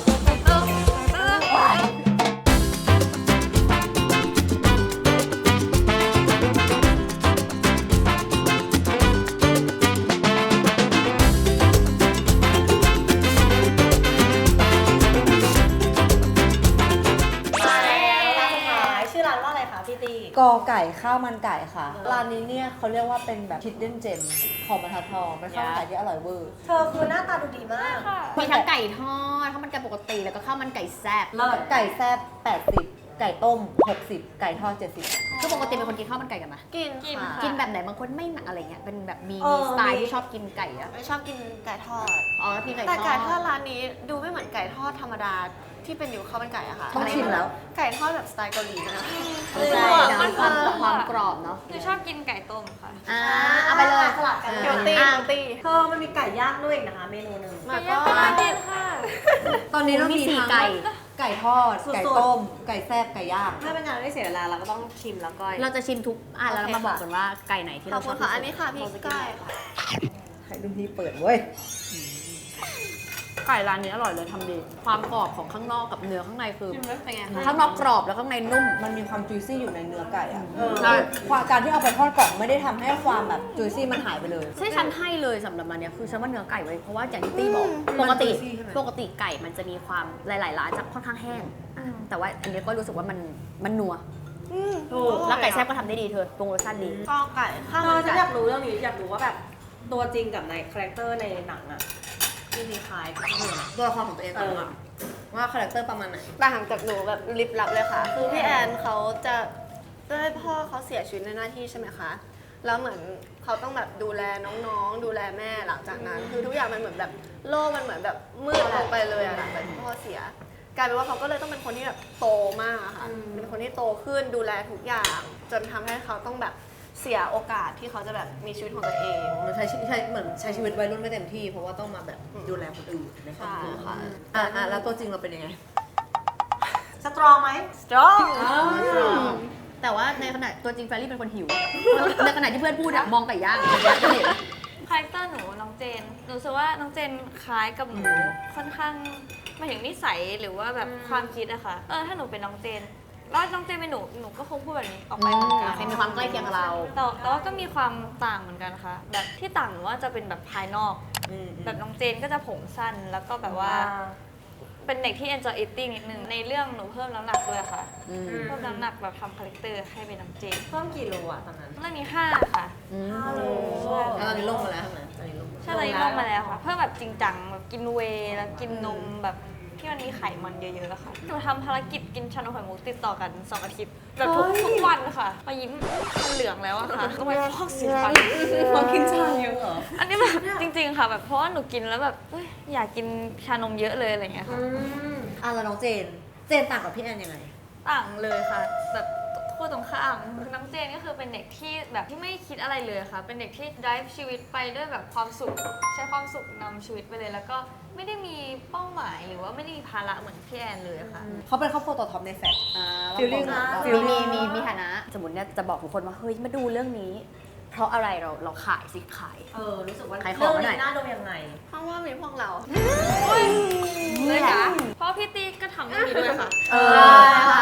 Speaker 4: ชื่อร้านว่าอะไรคะพี่ตี
Speaker 1: กอไก่ข้าวมันไก่ค่ะ ร้านนี้เนี่ยเขาเรียกว่าเป็นแบบ hidden gem ของบรรทัดทองเป็นข้าวมันไก่ที่อร่อยเวอร์
Speaker 4: เธอคือหน้าตาดูดีมาก
Speaker 2: มีทั้งไก่ทอดข้าวมันไก่ปกติแล้วก็ข้าวมันไก่แซ่บ
Speaker 1: ไก่แซ่บแปดสิบไก่ต้มหกสิบไก่ทอดเจ็ดสิบ
Speaker 2: คือปกติเป็นคนกินข้าวมันไก่กันไหม
Speaker 5: กินค่ะ
Speaker 2: กินแบบไหนบางคนไม่หนักอะไรเงี้ยเป็นแบบมี
Speaker 4: เออ
Speaker 2: มีสไตล์
Speaker 4: มี
Speaker 2: ที่ชอบกินไก่อะ
Speaker 5: ไม่ชอบกินไก่ทอด
Speaker 2: อ๋อแล้วกินไก่ท
Speaker 5: แต่
Speaker 2: อด
Speaker 5: ไก่ทอดร้านนี้ดูไม่เหมือนไก่ทอดธรรมดาที่เป็นอยู่ข้าวมันไก่อะค่ะ
Speaker 1: ต้องชิมแล้ว
Speaker 5: ไก่ทอดแบบสไตล์เกาหลีนะ
Speaker 2: ใช่นะความความกรอบเนาะ
Speaker 6: หนูชอบกินไก่ต้มค่ะ
Speaker 2: อ่าเอาไปเลย
Speaker 4: สลับกัน
Speaker 5: เฮลตี้เฮลตี้
Speaker 4: เธอมันมีไก่ย่างด้วยอีกนะคะ เมนูหนึ่ง
Speaker 5: แล้วก็
Speaker 6: กินค่ะ
Speaker 1: ตอนนี้เรา
Speaker 2: มี
Speaker 1: มี
Speaker 2: สี่
Speaker 1: ทั้ง
Speaker 2: ไก่
Speaker 1: ไก่ทอด ไก่ต้ม ไก่แซ่บไก่ย่าง
Speaker 4: ถ้าเป็นงานไม่เสียเวลาเราก็ต้องชิมแล้วก้อย
Speaker 2: เราจะชิมทุกอ่ะแล้วเรามาบอกกันว่าไก่ไหนที่
Speaker 5: ขอ
Speaker 2: เรา
Speaker 5: บ
Speaker 2: ช
Speaker 5: คุ
Speaker 2: อบ
Speaker 5: ณ
Speaker 2: ที่
Speaker 5: ค่ะ
Speaker 2: สุ
Speaker 5: อั
Speaker 2: ด
Speaker 5: นนี้ค่ะพี่ก้อยค่ะ
Speaker 1: ให้รุ่นพี่เปิดเว้ย
Speaker 2: ไก่ร้านนี้อร่อยเลยทำดีความกรอบของข้างนอกกับเนื้อข้างในคือเป็นไงข้างนอกกรอบแล้วข้างในนุ่ม
Speaker 1: มันมีความจุยซี่อยู่ในเนื้อไก่อะ
Speaker 2: ใช่
Speaker 1: ความการที่เอาไปทอดกล่องไม่ได้ทำให้ความแบบจุยซี่มันหายไปเลย
Speaker 2: ใช่ฉันให้เลยสำหรับมันเนี้ยคือฉันว่าเนื้อไก่ไว้เพราะว่าอย่างที่ตี้บอกปกติ
Speaker 1: มัน juicy ใช่ไหม
Speaker 2: ปกติไก่มันจะมีความหลายๆร้านจะค่อนข้างแห้ง แต่ว่าอันนี้ก็รู้สึกว่ามันมันนัวแล้วไก่แซ่บก็ทำได้ดีเธอปรุงรสชาติดี
Speaker 5: ก็ไก่ข้าว
Speaker 4: เธ
Speaker 5: มั
Speaker 4: อน ฉัน
Speaker 5: ไก่
Speaker 4: อยากรู้เรื่องนี้อยากรู้ว่าแบบตัวจริงกับในคาแรคเตอร์ในหนังอะจริงๆคล้ายกันไหม
Speaker 1: ตัวละครของตัวเองก่อนดีกว่าว่าคาแรคเตอร์ประมาณไหน
Speaker 5: ต่างจากหนูแบบลิบลับเลยค่ะ คือพี่แอนเขาจะด้วยพ่อเขาเสียชีวิตในหน้าที่ใช่ไหมคะ แล้วเหมือนเขาต้องแบบดูแลน้องๆ ดูแลแม่หลังจากนั้น คือทุกอย่างมันเหมือนแบบโลกมันเหมือนแบบมืดลงไปเลยอะหลังจากที่พ่อเสีย กลายเป็นว่าเขาก็เลยต้องเป็นคนที่แบบโตมากอะค่ะ เป็นคนที่โตขึ้นดูแลทุกอย่าง จนทำให้เขาต้องแบบเสียโอกาสที่เขาจะแบบมีชีวิตของตัวเอง
Speaker 1: มันใช้ชีวิตใช้เหมือนใช้ชีวิตวัยรุ่นไม่เต็มที่เพราะว่าต้องมาแบบดูแลคนอื่นในครอบครัว
Speaker 5: ใช่ค่ะ
Speaker 1: อ่ะอ่ะแล้วตัวจริงเราเป็นยังไง
Speaker 4: สตรองไหม
Speaker 5: strong
Speaker 2: แต่ว่าในขณะตัวจริงแฟรรี่เป็นคนหิว ในขณะที่เพื่อนพูดอะมองไก่ย่างจะเห็น
Speaker 6: คาแรคเตอร์หนูน้องเจน หนูรู้สึกว่าน้องเจนคล้ายกับหนูค่อนข้างหมายถึงนิสัยหรือว่าแบบความคิดอะค่ะ เออถ้าหนูเป็นน้องเจน แล้วน้องเจนเป็นหนู หนูก็คงพูดแบบนี้ออกไปเหมือนกัน
Speaker 2: ใครมีความใกล้เคียงกับเรา
Speaker 6: แต่แต่ว่าก็มีความต่างเหมือนกันค่ะ แบบที่ต่างหนูว่าจะเป็นแบบภายนอก แบบน้องเจนก็จะผมสั้นแล้วก็แบบว่า เป็นเด็กที่ enjoy eating นิดนึง ในเรื่องหนูเพิ่มน้ำหนักด้วยค่ะ
Speaker 2: อืม
Speaker 6: เพิ่มน้ำหนักแบบทำคาแรคเตอร์ให้เป็นน้องเจน
Speaker 4: เพิ่มกี่โลอะตอนนั้น
Speaker 6: เรื่องนี้ห้าค่ะ
Speaker 4: ฮัลโหล
Speaker 1: แล้วตอนนี้ลงมาแล้วใช่ไหมตอนนี้ลงมา
Speaker 6: ใช่เลยลงมาแล้วค่ะ เพิ่มแบบจริงจังแบบกินเวย์แล้วกินนมแบบที่มันมีไขมันเยอะๆอะค่ะหนูทำภารกิจกินชานมไข่มุกติดต่อกันสองอาทิตย์แบบทุกทุกวันค่ะมายิ้มมันเหลืองแล้วอะค่ะต้องไปฟอกสีฟัน
Speaker 1: พอกินชาเยอะเหรอ
Speaker 6: อันนี้แบบจริงๆค่ะแบบเพราะว่าหนูกินแล้วแบบเอ้ยอยากกินชานมเยอะเลยอะไรอย่างเงี้ยค่ะ
Speaker 1: อ่ะแล้วน้องเจน เจนต่างกับพี่แอนยังไง
Speaker 6: ต่างเลยค่ะ แบบคู่ตรงข้ามน้องเจนก็คือเป็นเด็กที่แบบที่ไม่คิดอะไรเลยค่ะ เป็นเด็กที่ drive ชีวิตไปด้วยแบบความสุข ใช้ความสุขนำชีวิตไปเลย แล้วก็ไม่ได้มีเป้าหมายหรือว่าไม่ได้มีภาระเหมือนพี่แอนเลยค่ะ
Speaker 1: เขาเป็นครอบครัวตัวท็อปในแฟลช Feeling
Speaker 2: อ่า
Speaker 1: อะ
Speaker 2: มีมีมีมีฐานะ สมมติเนี่ยจะบอกทุกคนว่า เฮ้ย มาดูเรื่องนี้ เพราะอะไรเราเราขายสิขาย
Speaker 4: เออ รู้สึกว่า
Speaker 2: ขายของ
Speaker 4: เรื่อง
Speaker 2: หน่อย
Speaker 4: นี้น่าดูยังไง
Speaker 5: เพราะว่ามีพวกเรา
Speaker 6: เลยค่ะเพราะพี่ตีก็ทำเรื่องนี้ด้วยค่ะ
Speaker 1: เออ
Speaker 5: ค่ะ
Speaker 1: อ่ะ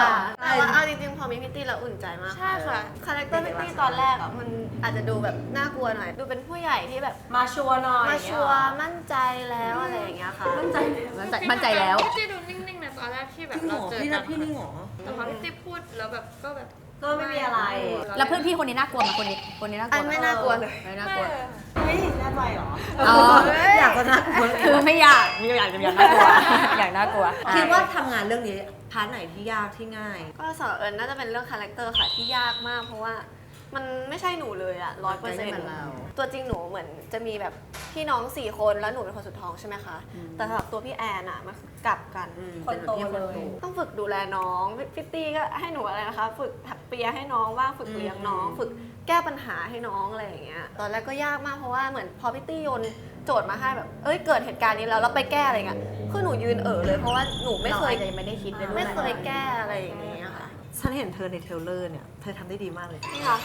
Speaker 5: แต่ว่าเอาจริงๆ พอมีพิตตี้แล้วอุ่นใจมาก
Speaker 6: ใช่ค่ะ
Speaker 5: คาแรคเตอร์พิตตี้ตอนแรกอ่ะมันอาจจะดูแบบน่ากลัวหน่อย ดูเป็นผู้ใหญ่ที่แบบ
Speaker 4: มาชัวร์หน่อย
Speaker 5: มาชัวร์มั่นใจแล้วอะไรอย่างเงี้ยค่ะ
Speaker 2: มั่นใจมั่นใจแล้ว
Speaker 6: พี่ตี้ดูนิ่งๆนะตอนแรกที่แบ
Speaker 1: พี่
Speaker 6: บ
Speaker 1: หง
Speaker 6: เรา
Speaker 1: อ
Speaker 6: เจอ
Speaker 1: พี่
Speaker 6: กั
Speaker 1: นะ
Speaker 6: น
Speaker 1: พี่นี่หงอ
Speaker 6: แต่พอพี่ตี้พูดแล้วแบบก็แบบ
Speaker 4: ก็ไม่มีอะไร
Speaker 2: แล้วเพื่อนพี่คนนี้น่ากลัวไหมคนนี้คนนี้น่ากลั
Speaker 5: อั
Speaker 2: วน
Speaker 5: ไม่น่ากลัวเลย
Speaker 2: ไม่น่ากลัว
Speaker 4: เฮ้ยแน่ใจเหรอ
Speaker 2: อ๋อ
Speaker 1: อยากจะน่ากลัว
Speaker 2: คือไม่อยากมีอยากจะอยากน่ากลัวอยากน่ากลัว
Speaker 1: คิดว่าทำงานเรื่องนี้พาร์ทไหนที่ยากที่ง่าย
Speaker 5: ก็สำหรับเอิญน่าจะเป็นเรื่องคาแรคเตอร์ค่ะที่ยากมาก เพราะว่ามันไม่ใช่หนูเลยอะร้อยเปอร์เซ็นต์ตัวจริงหนูเหมือนจะมีแบบพี่น้องสี่คนแล้วหนูเป็นคนสุดท้องใช่ไหมคะ แต่สำหรับตัวพี่แอนอะมันกลับกัน
Speaker 4: คนโตเลย
Speaker 5: ต้องฝึกดูแลน้องฟิตตี้ก็ให้หนูอะไรนะคะ ฝึกถักเปียให้น้องว่างฝึกเลี้ยงน้อง ฝึกแก้ปัญหาให้น้องอะไรอย่างเงี้ยตอนแรกก็ยากมากเพราะว่าเหมือนพอฟิตตี้โยนโจทย์มาให้แบบเอ้ยเกิดเหตุการณ์นี้แล้วแล้วไปแก้อะไรเงี้ยคือหนูยืนเอ๋อเลยเพราะว่าหนูไม่เคย
Speaker 2: ราอาจจะยังไม่ได้คิดเลยด้วย
Speaker 5: ไม่เคยแก้อะไรอย่างเงี้ยค่ะ
Speaker 1: ฉันเห็นเธอในเทรลเลอร์เนี่ย เธอทำได้ดีมากเลย
Speaker 5: จริงเหรอคะ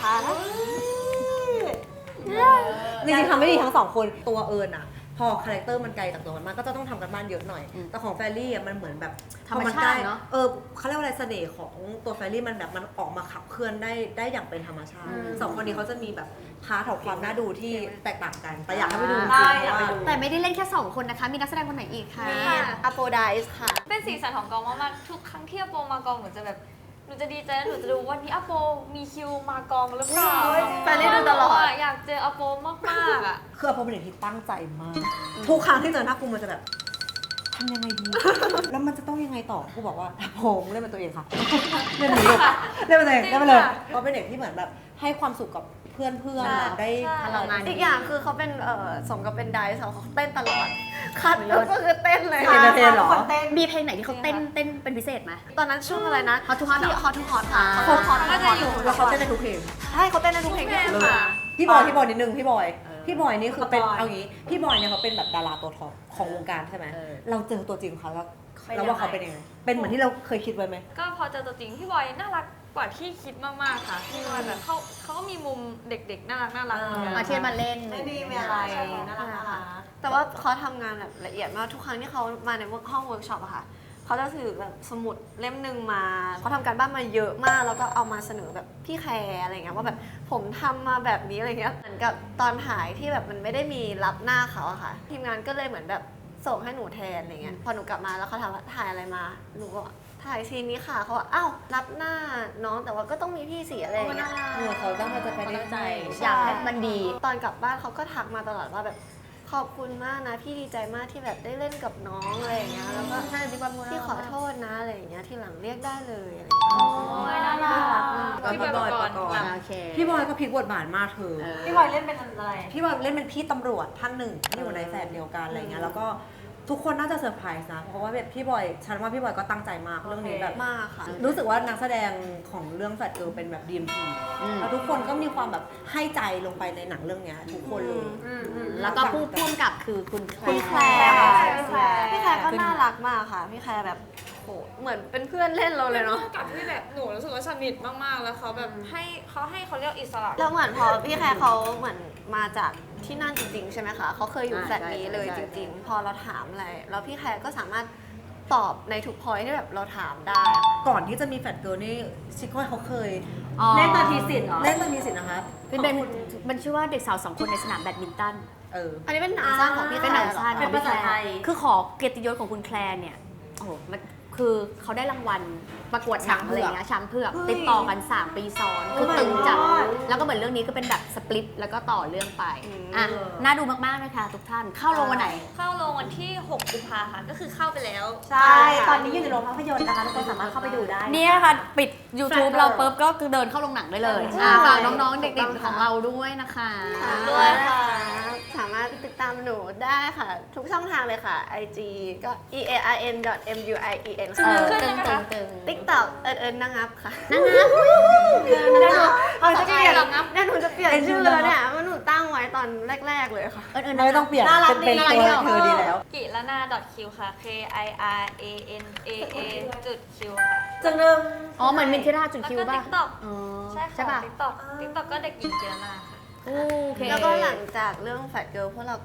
Speaker 1: จริงๆทำไม่ดีทั้งสองคน ตัวเอิญอะพอคาแรคเตอร์มันไกลจากตัวมันมากก็จะต้องทำกันบ้านเยอะหน่อย แต่ของแฟรรี่อะมันเหมือนแบบ
Speaker 2: ธรรม
Speaker 1: พอ
Speaker 2: ชาติ
Speaker 1: ใกล้
Speaker 2: เนอะ
Speaker 1: เออเขาเรียกว่าอะไรเสน่ห์ของตัวแฟรรี่มันแบบมันออกมาขับเคลื่อนได้ได้อย่างเป็นธรรมชาติสองคนนี้เขาจะมีแบบพาร์ทของความน่าดูที่แตกต่างกัน แต่อยากให้ไปดูจริง
Speaker 4: ได้
Speaker 1: ๆ
Speaker 4: อยากไปดู
Speaker 2: แต่ไม่ได้เล่นแค่สองคนนะคะ มีนักแสดงคนไหนอีกคะ
Speaker 5: มีอโปไดส์ค่ะ
Speaker 6: เป็นสีสันของกองมากๆทุกครั้งที่อาโปมากองหนูจะแบบหนูจะดีใจแล้วหนูจะดูวันนี้อาโปมีคิวมากองหรือเปล่า
Speaker 5: ไปเล่นดูตลอด
Speaker 6: อยากเจออาโปมากๆอ่ะ
Speaker 1: คือพอเป็นเด็กที่ตั้งใจมาก ทุกครั้งที่เจอหน้ากูมันจะแบบทำยังไงดี แล้วมันจะต้องยังไงต่อกูบอกว่าผมเล่นเป็นตัวเองค่ะ เล่นเป็นลูกเล่นเป็นตัวเองเล่นไปเลยก็เป็นเด็กที่เหมือนแบบให้ความสุขกับเพื่อนเพื่อนๆได้
Speaker 2: พลังงาน
Speaker 5: อีกอย่างคือเขาเป็นเอ่อสมกับเป็นไดส์เขาเต้นตลอด คัดแล้วก็คือเต้นเลย
Speaker 1: เอนเตอร์เทนเหรอ
Speaker 4: คนเต้น
Speaker 2: มีเพลงไหนที่เขาเต้นเต้นเป็นพิเศษไหม
Speaker 5: ตอนนั้นช่วงอะไรนะ
Speaker 2: Hot to Hot
Speaker 5: ที่
Speaker 2: เหรอ
Speaker 5: Hot to Hot ค่ะ
Speaker 2: อ่า
Speaker 5: Hot to Hot
Speaker 6: ก็จะอยู่
Speaker 1: แล้วเขาเต้นในทุกเพลง
Speaker 5: ใช่เขาเต้นในทุกเพลงที่สุด
Speaker 1: เลยพี่บอยพี่บอยนิดนึงพี่บอย พี่บอยนี่คือเป็น
Speaker 4: พี่บอย
Speaker 1: เอางี้พี่บอยเนี่ยเขาเป็นแบบดาราตัวท็อปของวงการใช่ไหม
Speaker 2: เออ
Speaker 1: เราเจอตัวจริงเขาแล้ว
Speaker 4: เป็น
Speaker 1: แล้วว่า
Speaker 4: ยังไง
Speaker 1: เขาเป็นยังไงเป็นเหมือนที่เราเคยคิดไว้ไหม
Speaker 6: ก็พอเจอตัวจริงพี่บอยน่ารักกว่าที่คิดมากๆค่ะพี่บอยแบบเขาเขาก็มีมุมเด็กๆน่ารักน่ารักเหมือนกัน
Speaker 2: มาเทียนมาเล่น
Speaker 4: ไม่ดีไม่อะไรน่ารักน่ารัก
Speaker 5: แต่ว่าเขาทำงานแบบละเอียดมากทุกครั้งที่เขามาในห้องเวิร์กช็อปอะค่ะเขาจะถือแบบสมุดเล่มหนึ่งมาเขาทำการบ้านมาเยอะมากแล้วก็เอามาเสนอแบบพี่แคร์อะไรเงี้ยว่าแบบผมทำมาแบบนี้อะไรเงี้ยเหมือนกับตอนถ่ายที่แบบมันไม่ได้มีรับหน้าเขาอะค่ะ ทีมงานก็เลยเหมือนแบบส่งให้หนูแทนอะไรเงี้ยพอหนูกลับมาแล้วเขาถามว่าถ่ายอะไรมาหนูก็บอกถ่ายซีนนี้ค่ะเขาบอกอ้าวรับหน้าน้องแต่ว่าก็ต้องมีพี่สีอะไรอย่างเงี้ย
Speaker 1: เออเขาตั้งใจไปได้ใจ
Speaker 2: อยากให้มันดี
Speaker 5: ตอนกลับบ้านเขาก็ทักมาตลอดว่าแบบขอบคุณมากนะพี่ดีใจมากที่แบบได้เล่นกับน้องอะไรอย่างเงี้ยแล้วก็พี่ขอโทษนะอะไรอย่างเงี้ยทีหลังเรียกได้เลยอะไรอย่างเงี้ย
Speaker 6: โอ้ยน่ารัก
Speaker 1: พี่บอยปกรณ์
Speaker 2: โอเค
Speaker 1: พี่บอยก็พลิกบทบาทมากเธอ
Speaker 4: พี่บอยเล่นเป็นอะไร
Speaker 1: พี่บอยเล่นเป็นพี่ตำรวจท่านหนึ่งที่อยู่ในแฝดเดียวกันอะไรเงี้ยแล้วก็ทุกคนน่าจะเซอร์ไพรส์นะเพราะว่าแบบพี่บอยฉันว่าพี่บอยก็ตั้งใจมากเรื่องนี้แบบ
Speaker 5: มากค่ะ
Speaker 1: รู้สึกว่านักแสดงของเรื่องแฟดเกิร์ลเป็นแบบ ดี เอ็ม พี
Speaker 2: อืม
Speaker 1: แล้วทุกคนก็มีความแบบให้ใจลงไปในหนังเรื่องเนี้ยทุกคนเลย
Speaker 2: แล้วก็ผู้พ่วงกับคือคุณแคล
Speaker 5: คุณ
Speaker 2: ร์
Speaker 5: แคลร์ค่ะ
Speaker 4: พี่แคลร์
Speaker 5: พี่แคลร์ก็น่ารักมากค่ะ พี่แคลร์แบบโหเหมือนเป็นเพื่อนเล่นเราเลยเนาะ
Speaker 6: กับที่แบบหนูรู้สึกว่าสนิทมากๆแล้วเขาแบบให้เขาให้เขาเรียกอิสระ
Speaker 5: แล้วเหมือนพอพี่แคลร์เขาเหมือนมาจากที่นั่นจริงๆ ใช่ไหมคะเขาเคยอยู่แฟลตนี้เลยจริงๆ พอเราถามอะไรแล้วพี่แคลร์ก็สามารถตอบในทุกพอยที่แบบเราถามได้อะ
Speaker 1: ก่อนที่จะมีแฟดเกิร์ลนี่ชิคก้อยเขาเคย
Speaker 2: อ๋อ
Speaker 4: เล่นตอนทีสิทธิ์เหรอ
Speaker 1: เล่นตอนมีสิทธิ์นะคะ
Speaker 2: เป็นเป็นมันชื่อว่าเด็กสาวสองคนในสนามแบดมินตัน
Speaker 1: เออ
Speaker 5: อันนี้เป็นหนังสั้นของพี่
Speaker 2: เป็น
Speaker 5: แค
Speaker 2: ห
Speaker 5: ล
Speaker 2: นัง
Speaker 5: ร์เหรอ
Speaker 2: สั้น
Speaker 5: คะ
Speaker 2: ของพี่แคล
Speaker 4: เป็นภาษาไทย
Speaker 2: ร์คือขอเกียรติยศของคุณแคลร์เนี่ย โอ้โหมันคือเขาได้รางวัลประกวดหนังอะไรอย่างเงี้ยช้างเผือกติดต่อกัน สาม ปีซ้อน คือตึงจัด แล้วก็เหมือนเรื่องนี้ก็เป็นแบบสปลิตแล้วก็ต่อเรื่องไป อ่ะ น่าดูมากๆเลยค่ะทุกท่าน เข้าโรงวันไหน
Speaker 6: เข้าโรงวันที่หกกุมภาค่ะ ก็คือเข้าไปแล้ว
Speaker 4: ใช่ ตอนนี้อยู่ในโรงภาพยนตร์นะคะทุกคนสามารถเข้าไปดูได้
Speaker 2: เนี่ยค่ะ ปิด YouTube เราปุ๊บก็คือเดินเข้าโรงหนังได้เลยอ่ะฝากน้องๆ เด็กๆ ของเราด้วยนะคะ
Speaker 5: ด้วยค่ะ สามารถติดตามหนูได้ค่ะ ทุกช่องทางเลยค่ะ ไอ จี ก็ e a r n m u i e n
Speaker 2: เอ
Speaker 5: ค่ะ
Speaker 2: อตึงตึงตึง
Speaker 5: TikTok เอิญเอิญนางงับค่ะ
Speaker 2: นั่งนะ
Speaker 5: เขาจะเปลี่ยน
Speaker 6: นางงับ
Speaker 5: เนี่ยหนูจะเปลี่ยนชื่อแล้วเนี่ยว่าหนูตั้งไว้ตอนแรก ๆ เลยค่ะ
Speaker 2: เออเออ
Speaker 1: ไม่ต้องเปลี่ยน
Speaker 4: น่ารัก
Speaker 1: เป็น
Speaker 2: น่ารัก
Speaker 1: ตัว
Speaker 2: ดี
Speaker 1: เธอดีแล้ว
Speaker 6: กิลานา .q ค่ะ k i r a n a a จุด q ค่ะ
Speaker 4: จังเริ่ม
Speaker 2: อ๋อเหมือนมินทิราจุด
Speaker 6: แล้ว
Speaker 2: คิว
Speaker 6: ก็
Speaker 2: ป่ะ
Speaker 6: TikTok
Speaker 2: อ๋อ
Speaker 6: ใช่
Speaker 2: ใช่
Speaker 6: ค่ะ
Speaker 2: ป่ะ
Speaker 6: TikTok TikTok ก็เด็กหญิงกิลานาค่ะ
Speaker 2: โอเค
Speaker 5: แล้วก็หลังจากเรื่องแฟ t เกิ l พวกเราก็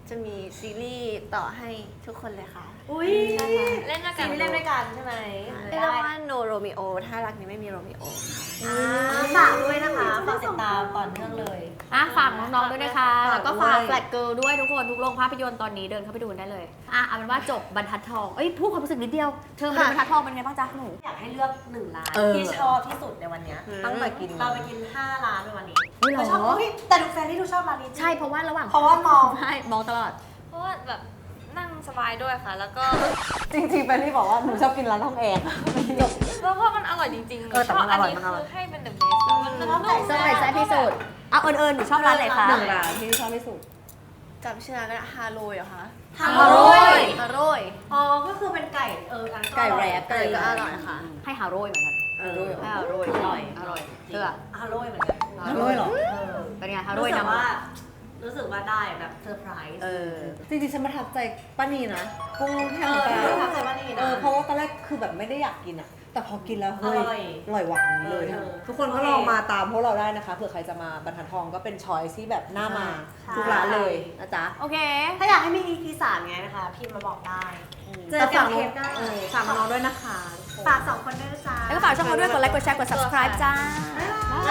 Speaker 5: จะมีซีรีส์ต่อให้ทุกคนเลยค่ะ
Speaker 4: อุ้ย
Speaker 6: เล่นด้วย
Speaker 4: ซี
Speaker 6: กัน
Speaker 4: รีส์เล่นด้วยกันใช่ไหม
Speaker 5: เรียกว่า No Romeo ถ้ารักนี้ไม่มีโรมิโอ
Speaker 4: อ่าฝากด้วยนะคะฝากติดตามตอนเรื่องเลย
Speaker 2: อ่ะฝากน้องๆด้วยนะคะ
Speaker 1: ฝาก
Speaker 2: แล้วก็ฝาก
Speaker 1: ด้วย
Speaker 2: แฟลตเกิร์ลด้วยทุกคนทุกโรงภาพยนตร์ตอนนี้เดินเข้าไปดูกันได้เลยอ่ะเอาเป็นว่าจบบรรทัดทองเอ้ยพูดความรู้สึกนิดเดียวเธอมาดูบรรทัดทองเป็นไงบ้างจ๊ะหนู
Speaker 4: อยากให้เลือกหนึ่งร้าน
Speaker 1: เออ
Speaker 4: ที่ชอบที่สุดในวันเนี้ย
Speaker 1: ตั้งแต่กิน
Speaker 4: เราไปกินห้าร้านในวันนี้
Speaker 2: อุ๊ยเหรอ
Speaker 4: เราชอบอุ๊ยแต่ดูแฟนที่ดูชอบร้านนี้จริง
Speaker 2: ใช่เพราะว่าระหว่าง
Speaker 4: เพราะว่ามอง
Speaker 2: ใช่มองตลอด
Speaker 6: เพราะว่าแบบนั่งสบายด้วยค่ะ แล้วก็
Speaker 1: จริงๆเป็นที่บอกว่าหนูชอบกินร้านทองแอร์จบ
Speaker 6: แล้วเพราะมันอร่อยจริงๆ
Speaker 1: เออแต่มันอร่อย
Speaker 6: ชบ
Speaker 1: มันอร่อย
Speaker 6: คือให้เป็น the best แล้วมันนุ่ม
Speaker 2: เซอร์ไพรส์แซ่บที่สุดเอาเอิญเอิญหนูชอบร้านไหนคะ
Speaker 1: หนึ่งร้านที่ชอบที่สุด
Speaker 5: จำชื่อร้านก็ได้ฮาโลยเหรอคะ
Speaker 4: ฮา
Speaker 2: ฮาโร่
Speaker 4: โร่
Speaker 2: ย
Speaker 5: ฮาโรย
Speaker 4: อ๋อ ก็คือเป็นไก่ เอออัน
Speaker 1: ไก่แรป
Speaker 5: ไก่ก็อร่อยค่ะ
Speaker 2: ให้ฮาโร่ยเหมือนกัน
Speaker 1: เออรู้อยู่
Speaker 2: ให้ฮาโร่ยอร่อยอร่อยเชื่อ
Speaker 4: ฮาโร่เหมือนกัน
Speaker 1: อร่อยเหรอ
Speaker 4: เออ
Speaker 2: เป็นไงฮาโร่
Speaker 4: รู้
Speaker 2: ย
Speaker 4: สึก
Speaker 2: นำ
Speaker 4: ว่า รู้สึกว่าได้แบบเซอร์ไพรส์
Speaker 2: เออ
Speaker 1: จริงๆฉันประทับใจป้านีนะกุ้งแห้ง
Speaker 4: เออ
Speaker 1: ปลา
Speaker 4: ประทับใจป้านีนะ
Speaker 1: เออเพราะว่าตอนแรกคือแบบไม่ได้อยากกินอ่ะ แต่พอกินแล้วเฮ้ย
Speaker 4: อร่อย
Speaker 1: อร่อยหวานนี้เลย
Speaker 4: เออ
Speaker 1: ทุกคนก็ลองมาตามพวกเราได้นะคะเผื่อใครจะมาบรรทัดทองก็เป็นช้อยที่แบบหน้ามา
Speaker 4: ใช่
Speaker 1: ทุกร้านเลยนะจ๊ะ
Speaker 2: โอเค
Speaker 4: ถ้าอยากให้มี อี พี สามไงนะคะ พิมพ์มาบอกได้ เจอ
Speaker 1: แต่
Speaker 4: กั
Speaker 1: ฝาน ก
Speaker 4: เท
Speaker 1: น้อง
Speaker 4: ปได้
Speaker 1: เออฝากน้องๆด้วยนะคะ
Speaker 4: ฝากสองคนด้วยนะจ๊ะ
Speaker 2: แล้วก็ฝากช่องเราด้วยกดไลค์กดแชร์กด subscribe จ้า
Speaker 4: บ๊ายบาย